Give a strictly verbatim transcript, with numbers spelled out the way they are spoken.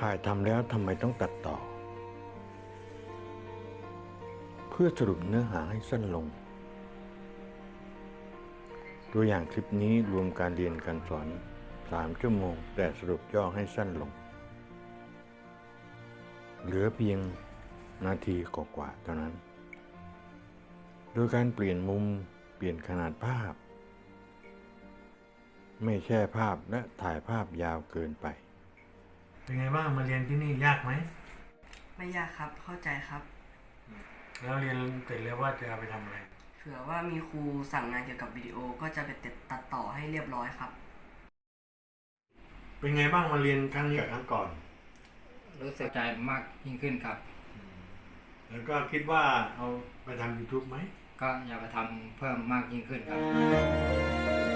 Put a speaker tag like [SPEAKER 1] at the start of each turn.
[SPEAKER 1] ถ่ายทำแล้วทำไมต้องตัดต่อ เพื่อสรุปเนื้อหาให้สั้นลง ตัวอย่างคลิปนี้รวมการเรียนการสอนสามชั่วโมงแต่สรุปย่อให้สั้นลง เหลือเพียงนาทีกว่าๆเท่านั้น โดยการเปลี่ยนมุมเปลี่ยนขนาดภาพ ไม่แช่ภาพและถ่ายภาพยาวเกินไป
[SPEAKER 2] เป็นไงบ้างมาเรียนที่นี่ยากไหม
[SPEAKER 3] ไม่ยากครับเข้าใจครับ
[SPEAKER 2] แล้วเรียนเสร็จแล้วว่าจะเอาไปทำอะไร
[SPEAKER 3] เผื่อว่ามีครูสั่งงานเกี่ยวกับวิดีโอก็จะไปตัดต่อให้เรียบร้อยครับ
[SPEAKER 2] เป็นไงบ้างมาเรียนครั้งนี้กับครั้งก่อน
[SPEAKER 4] รู้สึกใจมากยิ่งขึ้นครับ
[SPEAKER 2] แล้วก็คิดว่าเอาไปทำ ยูทูบ ไหม
[SPEAKER 4] ก็อยากจะทำเพิ่มมากยิ่งขึ้นครับ